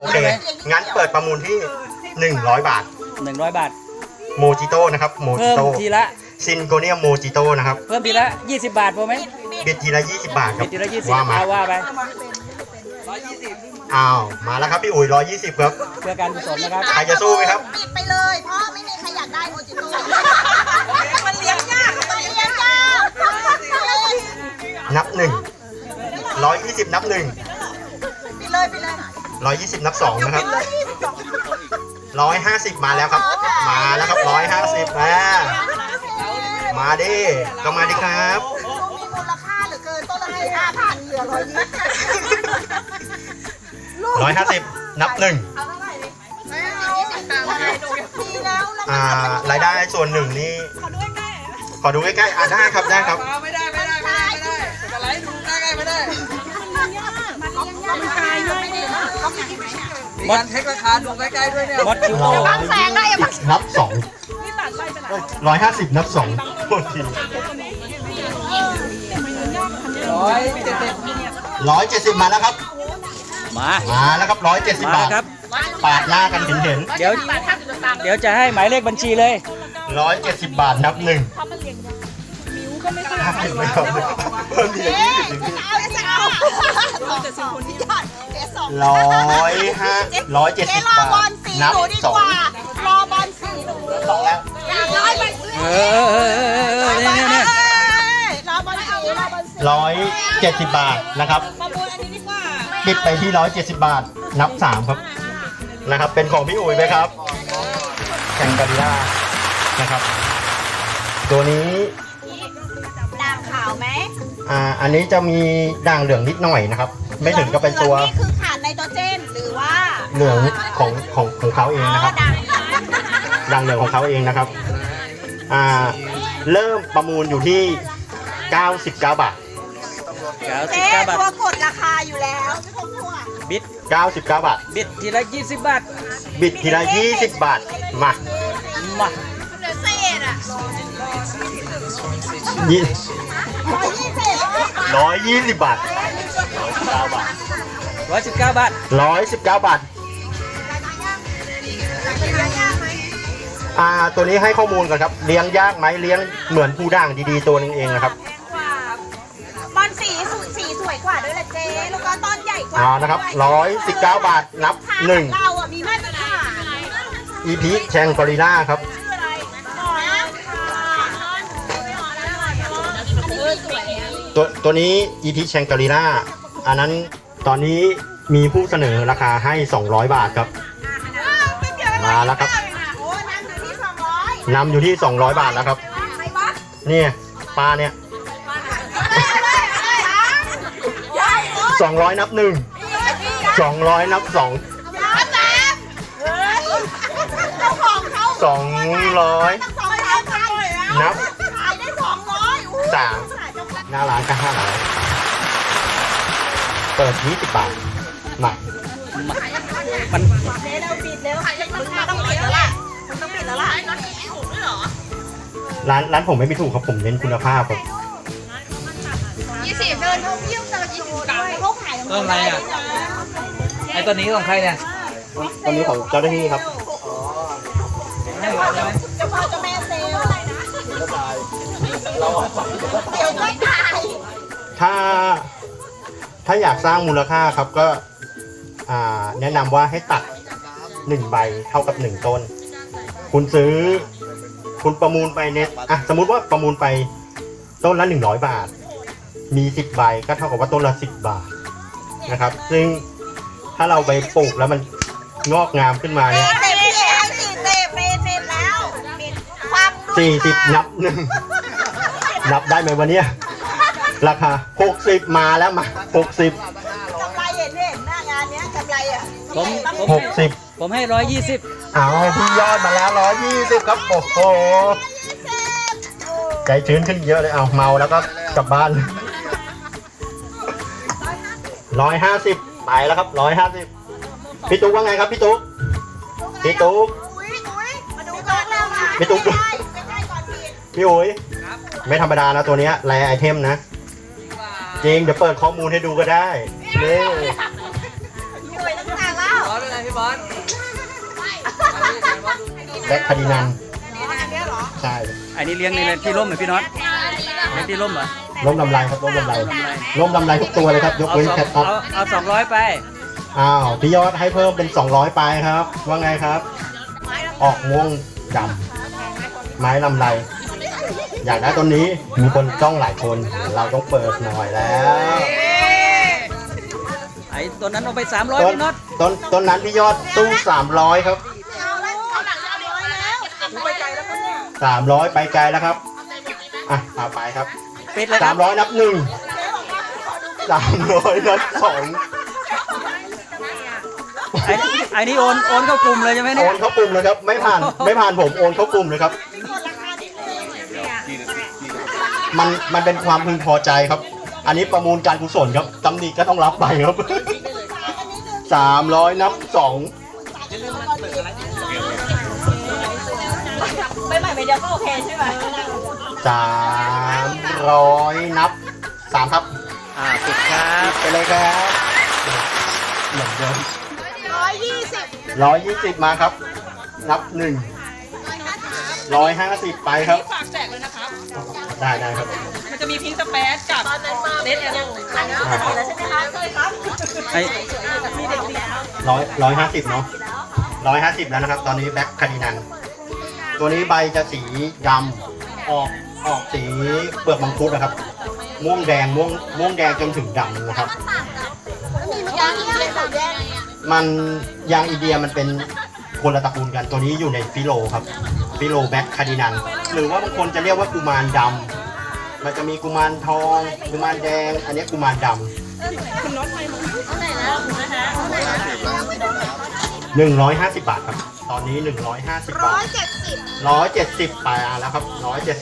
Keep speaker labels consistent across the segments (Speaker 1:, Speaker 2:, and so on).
Speaker 1: โอเคงั้นเปิดประมูลที่100 บาท
Speaker 2: 100 บาท
Speaker 1: โมจิโต้นะครับโมจิ
Speaker 2: เพิ่ม
Speaker 1: โต้
Speaker 2: ทีละ
Speaker 1: ซินโกเนียมโมจิโต้นะครับ
Speaker 2: เพิ่มทีละ20 บาทพอไหม
Speaker 1: บิดทีละ20 บาทครับ
Speaker 2: ทีละ20
Speaker 1: ว่ามา
Speaker 2: เอาว่าไป
Speaker 1: อ้าวมาแล้วครับพี่อุ๋ย120ครับ
Speaker 2: เพื่อการกุศลนะครับ
Speaker 1: ใครจะสู้ไหมครับ
Speaker 3: ปิดไปเลยเพราะไม่มีใครอยากได้โมจิโต้มันเลี้ยงยากมันเลี้ยงยาก
Speaker 1: นับ1 120นับ1
Speaker 3: ปิดเลยปิดเลย
Speaker 1: 120นับ2นะครับ150มาแล้วครับ มาแล้วครับ150มาดิก็มาดิครับ
Speaker 3: มีมูลค่าเหลือเกินต้นละ5,000เหลือ
Speaker 1: 150นับ1รายได้ส่วนหนึ่งนี่ขอดูใกล้ๆได้ครับได้ครับ
Speaker 4: ไม่ได้จะไลฟ์ดูได้ไงไม่ได้มีการเทคราคาดูใกล้ๆด้วยเนี่ย
Speaker 2: มดคิวโต้
Speaker 1: นับ2 150นับ2โทษที 170มาแล้วครับ มาแล้วครับ170 บาท
Speaker 2: ครับ
Speaker 1: ปาดหน้ากันเห็น
Speaker 2: เดี๋ยวจะให้หมายเลขบัญชีเลย
Speaker 1: 170 บาทนับ1ไม่ครับเพิ่มทีละ20 170 บาทนับ2
Speaker 3: รอบอลสีหนู
Speaker 1: 2แล้ว
Speaker 2: เนี่ย
Speaker 3: รอบอลสีรอบอลสี
Speaker 1: 170 บาทนะครับปิดไปที่170 บาทนับ3ครับนะครับเป็นของพี่อุ๋ยไหมครับแข่งกันล่านะครับตัวนี้
Speaker 3: ด่างขาวไหม
Speaker 1: อันนี้จะมีด่างเหลืองนิดหน่อยนะครับไม่ถึงก็เป็นตัว
Speaker 3: นี่คือขาดไนโตรเจนหรือว่า
Speaker 1: เหลืองของเขาเองนะครับด่างเหลืองของเขาเองนะครับเริ่มประมูลอยู่ที่99 บาท
Speaker 3: เจ๊
Speaker 2: 99 บาท
Speaker 3: ตัวกดราคาอยู่แล้วไม่ต้องกลัว
Speaker 2: บิด
Speaker 1: 99 บาท
Speaker 2: บิดทีละ20 บาท
Speaker 1: บิดทีละ20 บาทมา
Speaker 2: มา
Speaker 3: เหลือเศษอ่ะ
Speaker 1: 120 บาท
Speaker 2: 119 บาท
Speaker 1: 119 บาทตัวนี้ให้ข้อมูลก่อนครับเลี้ยงยากไหมเลี้ยงเหมือนผู้ด่างดีๆตัวนึงเองนะครับ
Speaker 3: บอลสีสวยกว่าด้วยแหละเจ๊แล้วก็ต้นใหญ่กว่า
Speaker 1: นะครับ119 บาทนับ
Speaker 3: เราอ่ะมีมาตรฐาน
Speaker 1: 1 EP แชงกอริล่าครับตัวนี้ EP แชงกอริล่าอันนั้นตอนนี้มีผู้เสนอราคาให้200 บาทครับมาแล้วครับนำอยู่ที่200 บาทแล้วครับนี่ปลาเนี่ย200นับ1 200นับ2 200นับ3หน้าร้านก็500เปิด20 บาทมา
Speaker 2: มัน
Speaker 3: ต้องปิดแล้วล่ะต้องปิดแล้วล่ะ
Speaker 1: ร้านผมไม่มีถูกครับผมเน้นคุณภาพครับ
Speaker 3: 20เดินท่องเที่ยวเจอ20ด้วยเขาขาย
Speaker 2: ต้นอะไรอ่ะไอ้ตัวนี้ของใครเนี่ย
Speaker 1: ตอนนี้ของเจ้าหน้าที่ครับ
Speaker 3: เจ้าพ่อเจ้าแม่เซลล์เดี๋ยวก็ตาย
Speaker 1: ถ้าอยากสร้างมูลค่าครับก็แนะนำว่าให้ตัด1 ใบเท่ากับ1 ต้นคุณประมูลไปเนี่ยสมมุติว่าประมูลไปต้นละ100 บาทมี10 ใบก็เท่ากับว่าต้นละ10 บาทนะครับซึ่งถ้าเราไปปลูกแล้วมันงอกงามขึ้นมาเนี่ย40นับ1นับได้ไหมวันนี้ราคา60มาแล้วมา60
Speaker 3: กำไรเห็นหน้างานเนี้ยกำไรอ่ะ
Speaker 1: 60
Speaker 2: ผมให้120
Speaker 1: เอาพี่ยอดมาแล้ว120ครับโอ้โหใจชื้นขึ้นเยอะเลยเอาเมาแล้วก็กลับบ้าน150ไปแล้วครับ150พี่ตุ๊กว่าไงครับพี่ตุ๊กพี่ตุ๊ก
Speaker 3: มาดูก่อนแล้วนะ
Speaker 1: พี่ตุ๊กพี่อุ๋ยไม่ธรรมดานะตัวนี้แรไอเทมนะจริงเดี๋ยวเปิดข้อมูลให้ดูก็ได้นี่
Speaker 3: อยู่ตั้งนานแล้ว
Speaker 4: ร้อนอะไรพี่บอล
Speaker 1: แบ็คคาร์ดินัน
Speaker 3: อันนี้เหรอ
Speaker 1: ใช่
Speaker 2: อันนี้เลี้ยงในที่ร่มเหรอพี่น็อตเลี้ยงที่ร่มเหรอ
Speaker 1: ล้มลำไรครับล้มลำไรล้มลำไรทุกตัวเลยครับยก
Speaker 2: เอา
Speaker 1: เว้น
Speaker 2: สอง
Speaker 1: แคทท็อป
Speaker 2: เอา200ไป
Speaker 1: อ้าวพี่ยอดให้เพิ่มเป็น200ไปครับ ว่าไงครับ ออกม่วงดำไม้ลำไร อยากได้ต้นนี้มีคนจ้องหลายคน เราต้องเปิดหน่อยแล้ว
Speaker 2: ไอ้ตัวนั้นเอาไป300
Speaker 1: ต้น
Speaker 2: พี่น็อต
Speaker 1: ต้นนั้นพี่ยอดตู้300ครับ
Speaker 3: เอาแล้วเอาหลังจะเอาร้อยแล้วไปไกลแล้วก็เนี่ย
Speaker 1: 300ไปไกลแล้วครับอ่ะต่อไปครับ
Speaker 2: ปิดเลยครับ
Speaker 1: 300นับ1 300นับ2
Speaker 2: ไอ้นี่โอนเข้ากลุ่มเลยใช่ไหม
Speaker 1: โอ
Speaker 2: เนี่ย
Speaker 1: นเข้ากลุ่มเลยครับไม่ผ่านผมโอนเข้ากลุ่มเลยครับ มันเป็นความพึงพอใจครับ อันนี้ประมูลการกุศลครับตำหนิก็ต้องรับไปครับ 300นับ2
Speaker 3: ไม่ใหม่ไม่เดียวก็โอเคใช่ไหม
Speaker 1: 300นับ3ครับ
Speaker 2: ปิดครับ
Speaker 1: ไปเลยครับเหมือนเดิม
Speaker 3: 120
Speaker 1: 120มาครับ นับ1 150ไปครับ
Speaker 5: ฝากแจกเลยนะครับ
Speaker 1: ได้ครับ
Speaker 5: มันจะมีพิงค์สเปซกับเลดเอโร่
Speaker 3: อันนี้แล้วใช่ไหมคะเคยครับ
Speaker 2: ไอ้
Speaker 1: 150เนาะ150แล้วนะครับ ตอนนี้แบ็คคาร์ดินันตัวนี้ใบจะสีดำออกสีเปลือกมังคุดนะครับ ม่วงแดงจนถึงดำนะครับ
Speaker 3: มียางที่เป็นแบบแดง
Speaker 1: มันยางอินเดียมันเป็นคนละตระกูลกันตัวนี้อยู่ในฟิโลครับฟิโลแบ็คคาร์ดินันหรือว่าบางคนจะเรียกว่ากุมารดำมันจะมีกุมารทองกุมารแดง อันนี้กุมารดำ150 บาทครับ ตอนนี้150 บาท 170ไปแล้วครับ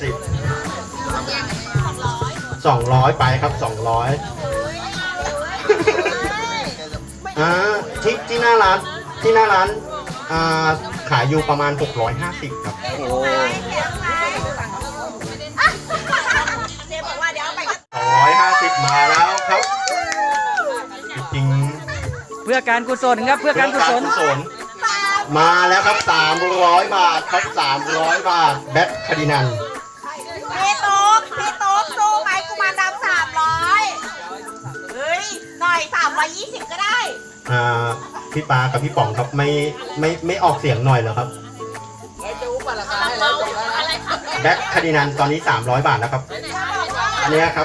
Speaker 1: 200ไปครับ200ที่หน้าร้านขายอยู่ประมาณ650ครับ
Speaker 2: โอ้
Speaker 3: เจ๊บอกว่าเดี๋ยวเอาไป
Speaker 1: 250มาแล้วครับจริง
Speaker 2: เพื่อการกุศลครับเพื่อการกุศล
Speaker 1: มาแล้วครับ300 บาทครับ300 บาทแบ็คคาร์ดินัน
Speaker 3: พี่โต๊กสู้ไหมกุมารดำ300เฮ้ยหน่อย320ก็ได้
Speaker 1: พี่ปากับพี่ป๋องครับไม่ออกเสียงหน่อยเหรอครับ
Speaker 4: แล้วจะอุ้มราคาให้แล้วจบแล้วนะ
Speaker 1: แบ็คคาร์ดินันตอนนี้300 บาทแล้วครับ อันเนี้ยครับ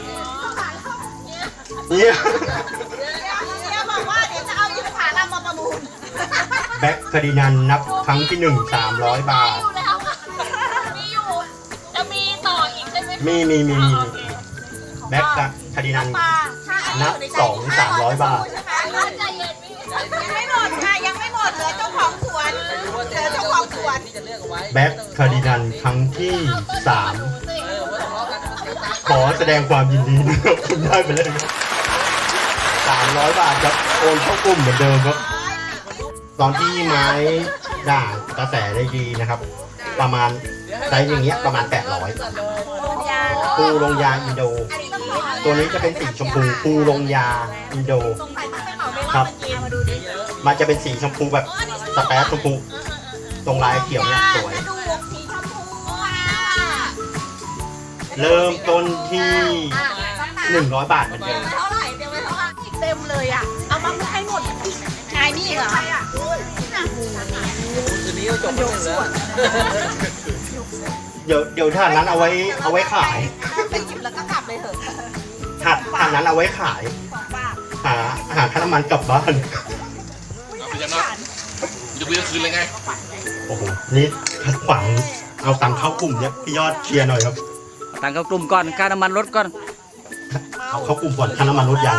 Speaker 1: เนี่ย
Speaker 3: เจ๊บอกว่าเดี๋ยวจะเอายุทธผาลำมาประมูล
Speaker 1: แบ็คคาร์ดินันนับครั้งที่1 300 บาท
Speaker 3: มีอยู่ จะมีต่ออีกใช่ไหม
Speaker 1: มีแบ็คคาร์ดินันนับ2 300 บาท
Speaker 3: ใจเย็นยังไม่หมดค่ะยังไม่หมดเหลือเจ้าของสวนเหลือเจ้าของสวน
Speaker 4: ที่จะเลือกเอาไว้
Speaker 1: แบ็คคาร์ดินันครั้งที่ 3 ขอแสดงความยินดีนะครับคุณได้ไปเลยครับ300 บาทครับโอนเข้ากลุ่มเหมือนเดิมครับ ตอนที่ไม้ด่างกระแสได้ดีนะครับ ประมาณไซส์อย่างเงี้ยประมาณ800ปูลงยาอินโด ตัวนี้จะเป็นสีชมพูปูลงยาอินโดครับ มันจะเป็นสีชมพูแบบสเปซชมพูตรงลายเขียวเนี่ยสวย
Speaker 3: สีชมพูอ่ะ
Speaker 1: เริ่มต้นที่100 บาทเหมือนเดิม
Speaker 3: เท่าไหร่เต็มไปเท่าไหร่เต็มเลยอ่ะเอามาให้หมดนายนี่เหรอ
Speaker 4: คืนนี้ก็จบแล้วเหลือ
Speaker 1: เดี๋ยวถาดนั้นเอาไว้ขาย
Speaker 3: ไปหยิบแล้วก็กลับเลยเถอะ
Speaker 1: ถาดนั้นเอาไว้ขาย หาค่าน้ำมันกลับบ้าน
Speaker 6: เอาไปยังเนาะจะไปคืนเลยไง
Speaker 1: โอ้โห นี่ขัดขวางเอาตังค์เข้ากลุ่มเนี่ยพี่ยอดเคลียร์หน่อยครับ
Speaker 2: ต่างกับกลุ่มก่อนค่าน้ำมันรถก่อน
Speaker 1: เอาเข้ากลุ่มก่อนค่าน้ำมันลดยัง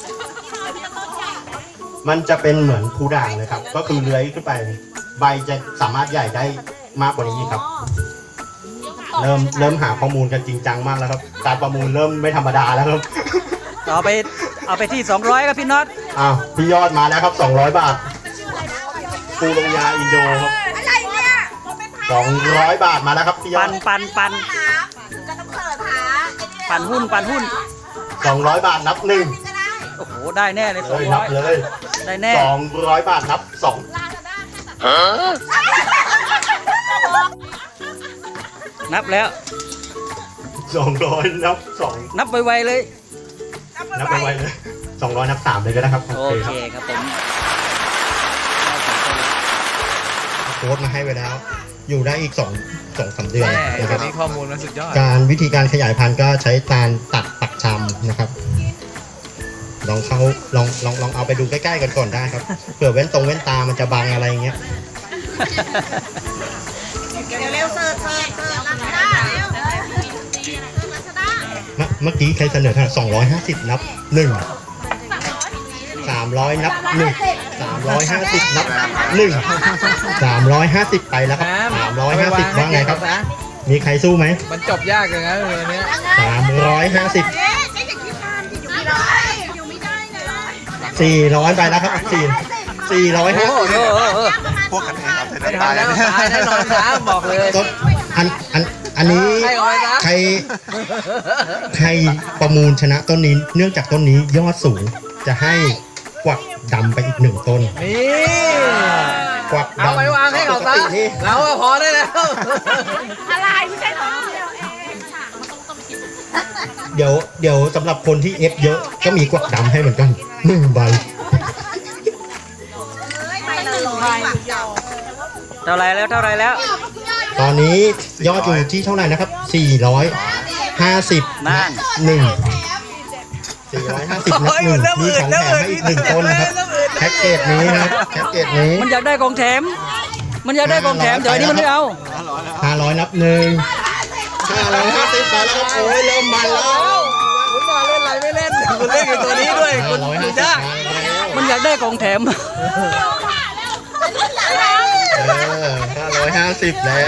Speaker 1: มันจะเป็นเหมือนภูด่างเลยครับ ก็คือเลื้อยขึ้นไป ใบจะสามารถใหญ่ได้มากกว่านี้ครับ เริ่มหาข้อมูลกันจริงจังมากแล้วครับ การประมูลเริ่มไม่ธรรมดาแล้วครับ
Speaker 2: เอาไปที่200ครับพี่น็อต
Speaker 1: อ้าวพี่ยอดมาแล้วครับ200 บาทปูลงยาอินโดครับ
Speaker 3: อะไรเนี่ย
Speaker 1: 200 บาทมาแล้วครับพี่ยอ
Speaker 2: ปั
Speaker 1: ด
Speaker 2: น
Speaker 3: จะต้องเปิดหา
Speaker 2: ปันหุ้น
Speaker 1: 200 บาทนับหนึ่ง
Speaker 2: โอ้โหได้แน่เลย
Speaker 1: เลยนับเลย
Speaker 3: เ
Speaker 2: ได้แน่
Speaker 1: 200 บาทนับ2
Speaker 2: นับแล้ว
Speaker 1: 200นับ2
Speaker 2: นับไวๆเลย
Speaker 1: นับไปไวเลย200นับ3เลยก็ได้ครับ
Speaker 2: โอ
Speaker 1: โอเค
Speaker 2: เค
Speaker 1: ครับ
Speaker 2: ครับผม
Speaker 1: โค้ดมาให้ไว้แล้ว อยู่ได้อีก2-3 เดือน
Speaker 4: แม่
Speaker 1: นะค
Speaker 4: ตอ
Speaker 1: รั
Speaker 4: น
Speaker 1: บ
Speaker 4: นี้ข้อมูลมันสุดยอด
Speaker 1: วิธีการขยายพันธุ์ก็ใช้ตาลตัดปักชำนะครับ ลองเอาไปดูใกล้ๆกันก่อนได้ครับเผื่อเว้นตามันจะบังอะไรอย่างเงี้ย
Speaker 3: เร็วๆเสิร์ฟรัชดาเร็วรัชดา
Speaker 1: เมื่อกี้ใครเสนอเท่าไหร่250นับ1 300นับ1 350นับ1 350ไปแล้วครับ350ว่าไงครับ มีใครสู้ไหม
Speaker 4: มันจบยากเลยนะเรื่องนี้
Speaker 1: 350
Speaker 3: เจ๊อย่าคิดนานที่อยู่ไม่ได้อยู่ไม่ได้เลย
Speaker 1: 400ไปแล้วครับ450
Speaker 4: พวกกันเองไม่ทันแล้วตายแน่นอนครับบอกเลย
Speaker 1: อันนี้
Speaker 4: ให้เอาไว้นะ
Speaker 1: ใครประมูลชนะต้นนี้เนื่องจากต้นนี้ยอดสูงจะให้กวักดำไปอีก1 ต้น
Speaker 4: นี่
Speaker 1: กวักดำ
Speaker 4: เอาไปวางให้เขาซะ
Speaker 1: ปกตินี่
Speaker 4: เราอะพอได้แล้ว
Speaker 3: อะไรไม่ใช่ของเดียวเอง
Speaker 1: เดี๋ยวสำหรับคนที่เอฟเยอะก็มีกวักดำให้เหมือนกัน1 ใบ
Speaker 3: ไม่เลย
Speaker 2: เท่าไรแล้ว
Speaker 1: ตอนนี้ยอดอยู่ที่เท่าไหร่นะครับ450
Speaker 2: นั่
Speaker 1: นั
Speaker 2: น
Speaker 1: บ 1 450 นับ 1 มีของแถมให้อีก1 ต้นนะครับแพ็กเกจนี้นะครับแพ็กเกจนี้
Speaker 2: มันอยากได้ของแถม เดี๋ยวอันนี้มันไม่เอา
Speaker 1: 500 นับ 1 550ไปแล้วครับโอ้ยเริ่มมันแล้ว
Speaker 4: คุณมาเล่นอะไรไม่เล่นคุณเล่นกับตัวนี้ด้วยคุณดูยาก
Speaker 2: มันอยากได้ของแถม
Speaker 1: 550แล้ว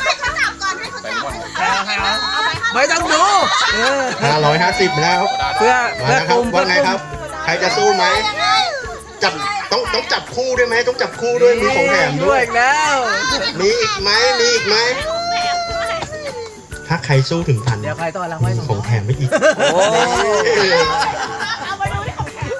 Speaker 4: ไม่ต้องดู
Speaker 1: 550แล้ว
Speaker 2: เพื่อ
Speaker 1: มาแล้วครับ
Speaker 2: กลุ่ม
Speaker 1: ว่าไงครับ ใครจะสู้ไหมจับต้องจับคู่ด้วยไหมต้องจับคู่ด้วยมีของแถม
Speaker 4: ด้
Speaker 1: ด้
Speaker 4: ว
Speaker 1: วย ย
Speaker 4: อีกแล้ว
Speaker 1: มีอีกไหมถ้าใครสู้ถึงพัน
Speaker 4: เดี๋ยวใครต้อนรับไว้
Speaker 1: มีของแถมไม่อีก
Speaker 2: โอ้
Speaker 3: เอาไปดูที่ของแถม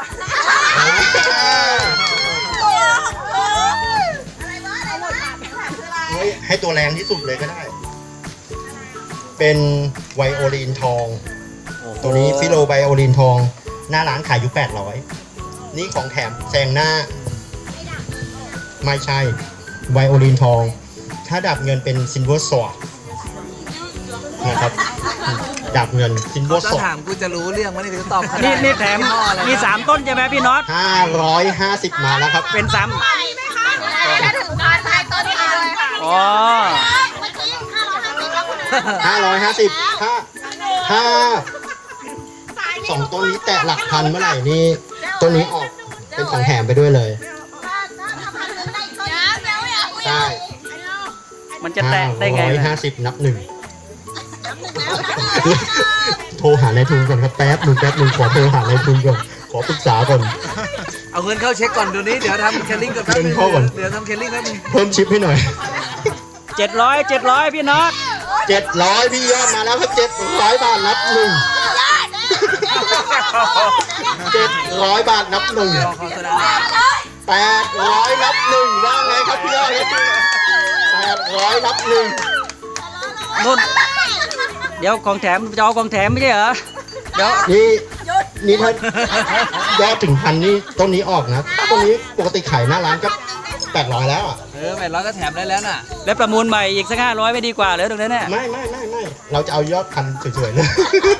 Speaker 1: ให้ตัวแรงที่สุดเลยก็ได้ เป็นไวโอลินทอง ตัวนี้ฟิโลไวโอลินทอง หน้าร้านขายอยู่800นี่ของแถมแซงหน้า ไม่ใช่ไวโอลินทอง ถ้าดาบเงินเป็นซิลเวอร์สวอร์ดนะครับดาบเงินซิลเวอร์ส
Speaker 4: ถ้าว
Speaker 1: อร์
Speaker 4: ถามกูจะรู้เรื่องว่านี่จะตอบขนาด
Speaker 2: นี่แถมมี3 ต้นใช่ไหมพี่น็อต
Speaker 1: ด550มาแล้วครับ
Speaker 2: เป็น3
Speaker 3: ถ้าถึงการถ่ายต้นนี้เลยค่ะ
Speaker 2: อ๋อ
Speaker 3: เมื่อกี้550แล้วคุณ
Speaker 1: 550ถ้า2 ต้นนี้แตะหลักพันเมื่อไหร่นี่ต้นนี้ออกเป็นของแถมไปด้วยเลยใช่
Speaker 2: มันจะแตะได้ไงนะ
Speaker 1: 550นับ 1โทรหานายทุนก่อนครับแป๊บหนึ่งขอโทรหานายทุนก่อนขอปรึกษาก่อน
Speaker 4: เอาเงินเข้าเช็คก่อนเดี๋ยวนี้เดี๋ยวทำเคลลิ่งก่อนแป๊บนึง
Speaker 1: เงินเข้าก่อน
Speaker 4: เดี๋ยวทำเคลลิ่งแป๊บนึง
Speaker 1: เพิ่มชิปให้หน่อย
Speaker 2: 700พี่น็อต
Speaker 1: 700พี่ยอดมาแล้วครับ700 บาทนับ 700 บาทนับ
Speaker 4: รอขอแสดง
Speaker 1: 800 นับ 1ว่าไงครับพี่ยอด800 นับ 1
Speaker 2: นุ่น เดี๋ยวของแถมจะเอาของแถมไม่ใช่เหรอ เดี๋ยว
Speaker 1: นี่ถ้ายอดถึงพันนี่ต้นนี้ออกนะต้นนี้ปกติขายหน้าร้านก็800แล้วอ่ะ
Speaker 4: 800ก็แถมได้แล้วน่ะ
Speaker 2: แล้วประมูลใหม่อีกสัก500ไม่ดีกว่าเหรอตรงนั้นเนี่ย
Speaker 1: ไม่เราจะเอายอดพันสวยๆเลย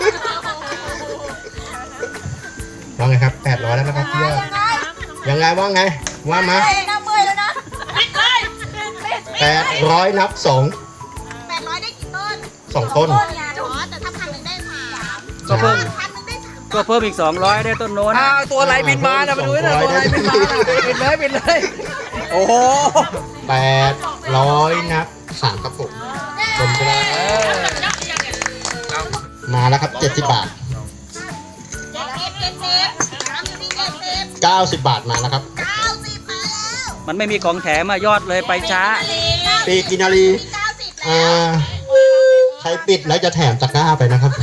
Speaker 1: ว่าไงครับ800แล้วนะครับพี่ยอดยังไงว่าไงว่ามา
Speaker 3: น้ำเมื่อยแล้วนะปิดเลย
Speaker 1: 800 นับ
Speaker 3: 800ได้กี่ต้น
Speaker 1: 2 ต้น
Speaker 3: อ๋อแต่ถ้า1,000ได้3
Speaker 2: ก็เพิ่ม
Speaker 3: 1,000ได้3
Speaker 2: ก็เพิ่มอีก200ได้ต้นโน้น
Speaker 4: ตัวอะไรบินมาน่ะมาดูนะตัวอะไรบินมาน่ะบินเลยโอ้โห
Speaker 1: 800 นับ 3 ครับผมชมก็ได้มาแล้วครับ70 บาท 90 บาทมาแล้วครับ
Speaker 2: มันไม่มีของแถมยอดเลยไปช้า
Speaker 1: ปีกินารีใครปิดแล้วจะแถมตะกร้าไปนะครับ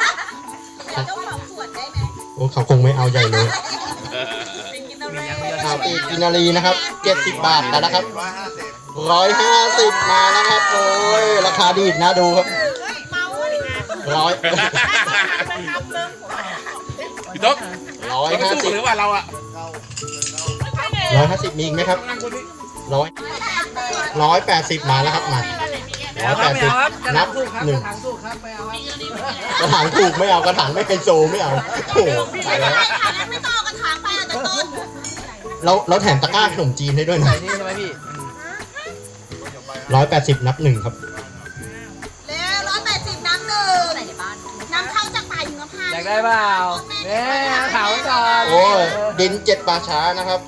Speaker 1: โอ้เขาคงไม่เอาใหญ่เลยกินนารีนะครับ70 บาทแล้วนะครับ150มาแล้วครับโอ้ยราคาดีดนะดูครับร้อย
Speaker 6: พี่ต๊อก
Speaker 1: ร้อย
Speaker 6: เรา
Speaker 1: ห้า
Speaker 6: สู้
Speaker 1: สิบ
Speaker 6: หรือว่าเราอะ
Speaker 1: 150มีอีกไหมครับ180มาแล้วครับมา180นับหนึ่ง
Speaker 4: ถังสู้ครับไม่เอาครับ
Speaker 1: กระถางถูกไม่เอากระถางไม่ไฮโซไม่เอาโอ้โหตายแล้ว
Speaker 3: ไม่ต่อกระถางไปอ่ะต้น
Speaker 1: เราแถมตะกร้าขนมจีนให้ด้วยนะ
Speaker 4: ใส่นี่ใช่ไหมพี่
Speaker 1: 180นับหนึ่งครับ
Speaker 3: เร็ว180น้ำหนึ่งน้ำเข้าจากป่าหิมพานต์
Speaker 4: อยากได้เปล่าเนี่ยถามไว้ก่อน
Speaker 1: โอ้ยดิน7ป่าช้านะครับ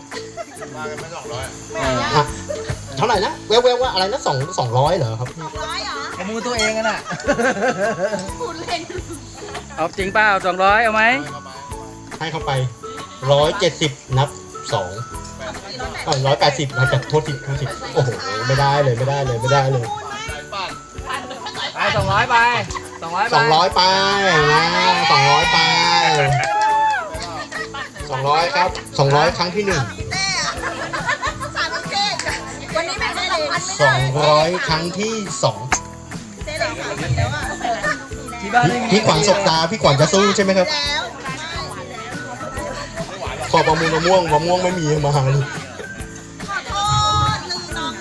Speaker 1: อ่ะเท่าไหร่นะแววๆว่าอะไรนะ200เหรอครับ
Speaker 3: 200เหรอ
Speaker 4: เอามือตัวเองกันน่ะ
Speaker 3: คุณเล่น
Speaker 2: เอาจริงเปล่า200เอาไหม
Speaker 1: ให้เข้าไป170นับ2 180นะแต่โทษทีโอ้โหไม่ได้เลย
Speaker 4: ไป200ไป200
Speaker 1: 200ไปนะ200ไป200ครับ200ครั้งที่1
Speaker 3: เต้อะสามเต้วันนี้แม่ง2,000ไม่ได้
Speaker 1: 200ครั้งที่2
Speaker 3: เต้เหลือ3,000แล้วอ่ะ
Speaker 4: ที่บ้านไม่มี
Speaker 1: พี่ขวัญสบตาพี่ขวัญจะสู้ใช่ไหมครับ
Speaker 3: แล้ว
Speaker 1: ขอประมูลมะม่วงไม่มีมาเลย
Speaker 3: ขอโทษ1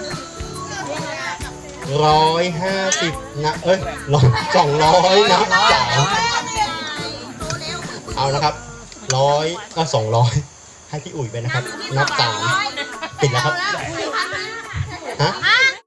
Speaker 1: 150นะ200นะ3เอานะครับ200ให้พี่อุ๋ยไปนะครับนับ3ปิดแล้วครับฮะ